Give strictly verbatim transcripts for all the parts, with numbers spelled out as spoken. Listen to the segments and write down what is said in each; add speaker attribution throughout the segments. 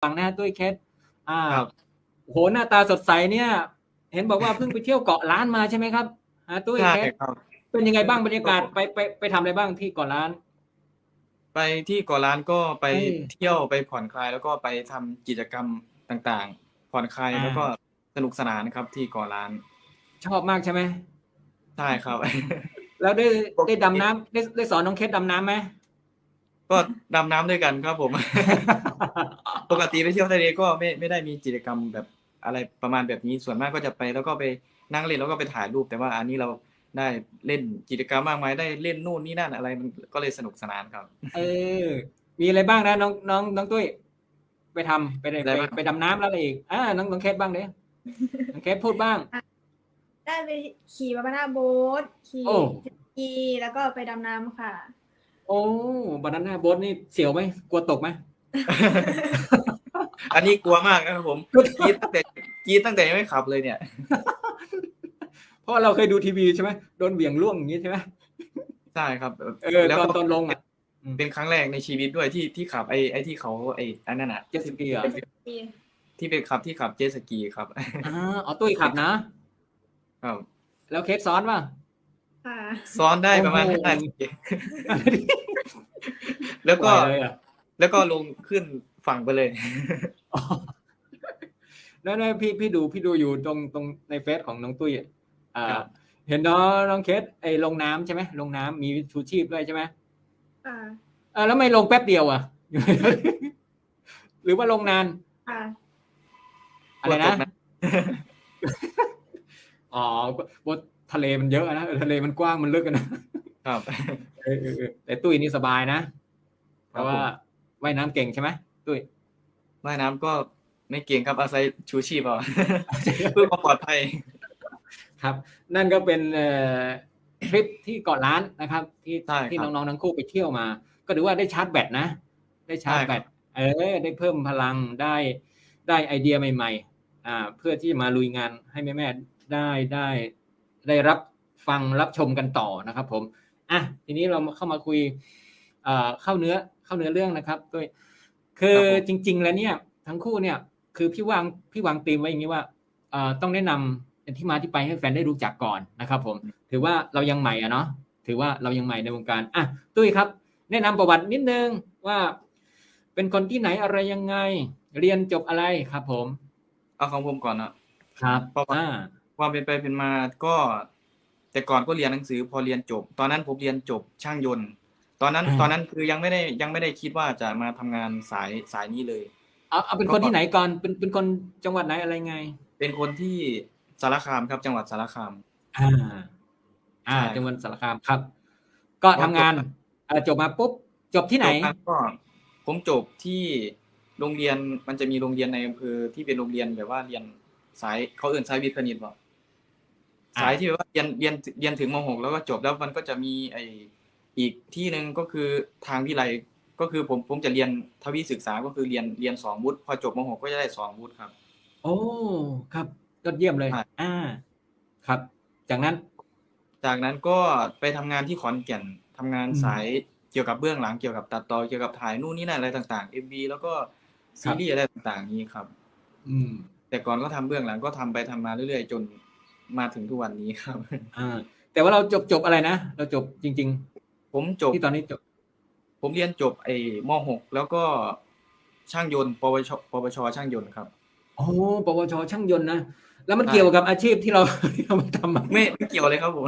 Speaker 1: ฟังนะตุ้ยเคสอ่า
Speaker 2: ครับ
Speaker 1: โหหน้าตาสดใสเนี่ย เห็นบอกว่าเพิ่งไปเที่ยวเกาะล้านมาใช่ไหมครับฮะตุ้ย
Speaker 2: ใช่
Speaker 1: เคส
Speaker 2: ครับ
Speaker 1: เป็นยังไง
Speaker 2: เพิ่ง
Speaker 1: บ้างบรรยา
Speaker 2: ไปเที่ยว
Speaker 1: กาศไปไปไปทำอะไรบ้างที่เกาะล้าน
Speaker 2: ไปที่เกาะล้านก็ไป
Speaker 1: เออ
Speaker 2: เที่ยวไปผ่อนคลายแล้วก็ไปทำกิจกรรมต่างๆผ่อนคลาย
Speaker 1: อ่า
Speaker 2: แล้วก็สนุกสนานครับที่เกาะล้าน
Speaker 1: ชอบมากใช่ไหม
Speaker 2: ใช่ครับ
Speaker 1: แล้วได้
Speaker 2: ปก
Speaker 1: ได้
Speaker 2: ติ
Speaker 1: ดำน้ำได้ได้สอนน้องเคสดำน้ำไหม
Speaker 2: ก็ดำน้ำด้วยกันครับผมปกติไปเที่ยวทะเลก็ไม่ไม่ได้มีกิจกรรมแบบอะไรประมาณแบบนี้ส่วนมากก็จะไปแล้วก็ไปนั่งเล่นแล้วก็ไปถ่ายรูปแต่ว่าอันนี้เราได้เล่นกิจกรรมมากมายได้เล่นนู่นนี่นั่นอะไรมันก็เลยสนุกสนานครับ
Speaker 1: เออมีอะไรบ้างนะน้องน้องน้องตุ้ยไปทำไปไป
Speaker 2: อะไรบ้าง
Speaker 1: ไปดำน้ำแล้วอะไรอีกอ่าน้องน้องเคสบ้างเด้น้องเคสพูดบ้าง
Speaker 3: ได้ไปขี่บานาน่าโบ๊ทขี่
Speaker 1: โอ้
Speaker 3: เจ็ตสกีแล้วก็ไปดำน้ำค่ะ
Speaker 1: โอ้บานาน่าโบ๊ทนี่เสียวไหมกลัวตกไหม
Speaker 2: อันนี้กลัวมากนะครับผมกรีดตั้งแต่กรีดตั้งแต่ยังไม่ขับเลยเนี่ย
Speaker 1: เพราะเราเคยดูทีวีใช่ไหมโดนเหวี่ยงล่วงอย่างนี้ใช่ไหม
Speaker 2: ใช่ครับ
Speaker 1: เออ
Speaker 2: แล้วก็
Speaker 1: ตอนตอนลงอ่ะ
Speaker 2: เป็นครั้งแรกในชีวิตด้วยที่ที่ขับไอ้ไอ้ที่เขาไอ้อันนั้นอ่ะ
Speaker 1: เจ็ตสกีเหรอ
Speaker 2: ที่เป็นขับที่ขับเจ็ตสกีครับ
Speaker 1: อ่าเอาตุ้ยขับนะ
Speaker 2: ครับ
Speaker 1: แล้วเคสซ้อนป่ะ
Speaker 3: ค่ะ
Speaker 2: ซ้อนได้ประมาณ
Speaker 1: โอ้
Speaker 2: ห้า
Speaker 1: โห
Speaker 2: นาทีแล้วก็
Speaker 1: ไหวเลยอ่ะ
Speaker 2: แล้วก็ลงขึ้นฝั่งไปเลย
Speaker 1: อ๋อนั่นๆพี่พี่ดูพี่ดูอยู่ตรงตรงในเฟซของน้องตุ้ยอ่ะอ่า
Speaker 2: ครับ
Speaker 1: เห็นน้องน้องเคสไอ้ลงน้ำใช่ไหมลงน้ำมีชูชีพด้วยใช่ไหม
Speaker 3: ค่ะ
Speaker 1: อ่าแล้วไม่ลงแป๊บเดียวอ่ะ หรือว่าลงนาน
Speaker 3: ค่ะ
Speaker 1: อะไรนะ
Speaker 2: กลัวตกนะ
Speaker 1: อ๋อบนทะเลมันเยอะนะทะเลมันกว้างมันลึกกันนะครับ เออเออเออแต่ตุ้ยนี่สบายนะ เพราะว่าว่ายน้ำเก่งใช่ไหมตุ้ย
Speaker 2: ว่ายน้ำก็ไม่เก่งครับอาศัยชูชีพเอา เพื่อความปลอดภัย
Speaker 1: ครับ นั่นก็เป็นเอ่อทริปที่เกาะล้านนะครับ ที่
Speaker 2: ใช่
Speaker 1: ที่
Speaker 2: ครับ
Speaker 1: น้องๆทั้งคู่ไปเที่ยวมา ก็ถือว่าได้ชาร์จแบตนะ ได้ชาร์จ
Speaker 2: ใช่
Speaker 1: แบ
Speaker 2: ครั
Speaker 1: ต
Speaker 2: บ
Speaker 1: เออได้เพิ่มพลังได้ได้ไอเดียใหม่ๆอ่าเพื่อที่จะมาลุยงานให้แม่ๆได้ได้ได้รับฟังรับชมกันต่อนะครับผมอ่ะทีนี้เรามาเข้ามาคุยเอ่อเข้าเนื้อเข้าเนื้อเรื่องนะครับด้วยคือ
Speaker 2: ครับผม
Speaker 1: จริง ๆ แล้วเนี่ย ทั้งคู่เนี่ย คือพี่วางพี่วางธีมไว้อย่างนี้ว่าเอ่อต้องแนะนำเป็นที่มาที่ไปให้แฟนได้รู้จักก่อนนะครับผม ถือว่าเรายังใหม่อะเนาะถือว่าเรายังใหม่ในวงการอ่ะตุ้ยครับ แนะนำประวัตินิดนึงว่า เป็นคนที่ไหนอะไรยังไง เรียนจบอะไรครับผม
Speaker 2: เอาของผมก่อนนะครับ ประวัติ
Speaker 1: อ่า
Speaker 2: ความเป็นไปเป็นมาก็ แต่ก่อนก็เรียนหนังสือพอเรียนจบ ตอนนั้นผมเรียนจบช่างยนต์ ตอนนั้น
Speaker 1: อ่า
Speaker 2: ตอนนั้นคือยังไม่ได้ยังไม่ได้คิดว่าจะมาทำงานสายสายนี้เลย
Speaker 1: เอาเอาเป็นคนที่ไหนก่อนเป็นเป็นคนจังหวัดไหนอะไรไง
Speaker 2: เป็นคนที่สารคามครับ จังหวัดสารคาม
Speaker 1: อ่า อ่า
Speaker 2: ใช่
Speaker 1: จังหวัดสารคามครับ ก็ทำงานเอ่อจบมาปุ๊บจบที่ไหน
Speaker 2: จบมาก็ผมจบที่โรงเรียนมันจะมีโรงเรียนในอำเภอที่เป็นโรงเรียนแบบว่าเรียนสายเขาเอิ้นสายวิทย์คณิตบ่
Speaker 1: อ่า
Speaker 2: สายที่แบบว่าเรียนเรียนเรียนถึงม .หก แล้วก็จบแล้วมันก็จะมีไอ้อีกที่หนึ่งก็คือทางวิไลก็คือผมผมจะเรียนทวีศึกษาก็คือเรียนเรียนสองวุฒิพอจบม .หก ก็จะได้สองวุฒิครับ
Speaker 1: โอ้ครับยอดเยี่ยมเลย
Speaker 2: ใช่
Speaker 1: อ่า ครับ จากนั้น
Speaker 2: จากนั้นก็ไปทำงานที่ขอนแก่นทำงาน
Speaker 1: อืม
Speaker 2: สายเกี่ยวกับเบื้องหลังเกี่ยวกับตัดต่อเกี่ยวกับถ่ายนู่นนี่นั่นอะไรต่างๆ เอ็ม วี แล้วก็
Speaker 1: ครั
Speaker 2: ซี
Speaker 1: บ
Speaker 2: รีส์อะไรต่างๆนี้ครับ
Speaker 1: อืม
Speaker 2: แต่ก่อนก็ทำเบื้องหลังก็ทำไปทำมาเรื่อยๆ จนมาถึงทุกวันนี้ครับ
Speaker 1: อ่า แต่ว่าเราจบจบอะไรนะ เราจบจริง
Speaker 2: ผมจ
Speaker 1: ๆ
Speaker 2: บ
Speaker 1: ที่ตอนนี้จบ
Speaker 2: ผมเรียนจบไอ้ม .หก แล้วก็ช่างยนต์ ปวช ปวช ช่างยนต์ครับ
Speaker 1: โอ้ปวช ช่างยนต์นะ แล้วมัน
Speaker 2: ใช่
Speaker 1: เกี่ยวกับอาชีพที่เรา ที่เรามาทำอะ
Speaker 2: ไม่ไม่เกี่ยวเลยครับผม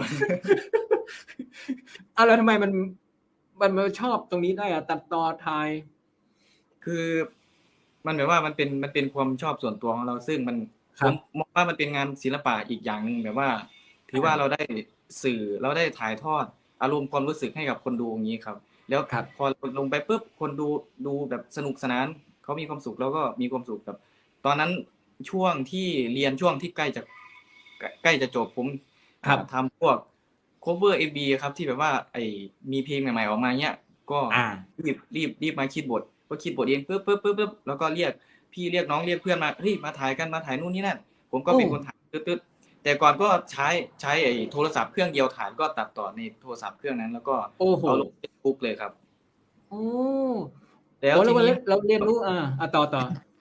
Speaker 1: อ้าวแล้วทำไมมันมันมาชอบตรงนี้ได้อะตัดต่อถ่าย
Speaker 2: คือมันแบบว่ามันเป็นมันเป็นความชอบส่วนตัวของเรา ซึ่งมัน
Speaker 1: ค
Speaker 2: ผ
Speaker 1: รับ
Speaker 2: มมองว่ามันเป็นงานศิลปะอีกอย่างหนึ่งแบบว่า ถือว่า
Speaker 1: อ่า
Speaker 2: เราได้สื่อเราได้ถ่ายทอดอารมณ์ความรู้สึกให้กับคนดูอย่างงี้ครับ แล้ว
Speaker 1: ครับ
Speaker 2: พอลงไปปุ๊บคนดูดูแบบสนุกสนานเขามีความสุขเราก็มีความสุขกับ ตอนนั้นช่วงที่เรียนช่วงที่ใกล้จะใกล้ใกล้จะจบผม
Speaker 1: ครับ
Speaker 2: อ่าทำพวก คัฟเวอร์ เอ็ม วี ครับที่แบบว่าไอ้มีเพลงใหม่ๆออกมาเงี้ย ก็
Speaker 1: อ่า
Speaker 2: รีบรีบรีบมาคิดบทก็คิดบทเองปึ๊บปึ๊บปึ๊บปึ๊บแล้วก็เรียกพี่เรียกน้องเรียกเพื่อนมาเฮ้ยมาถ่ายกันมาถ่ายนู่นนี่นั่นผมก็
Speaker 1: โอ้
Speaker 2: เป็นคนถ่ายตึ๊ดๆแต่ก่อนก็ใช้ใช้ไอ้โทรศัพท์เครื่องเดียวถ่ายก็ตัดต่อในโทรศัพท์เครื่องนั้น แล้วก็
Speaker 1: โอ้โห
Speaker 2: เอาลงเฟซบุ๊กเลยครับ
Speaker 1: โอ้
Speaker 2: แล้ว
Speaker 1: โอ้แล้
Speaker 2: ที
Speaker 1: ววัน
Speaker 2: นี้
Speaker 1: เราเรียนรู้อ่าอ่ะต่อต่อ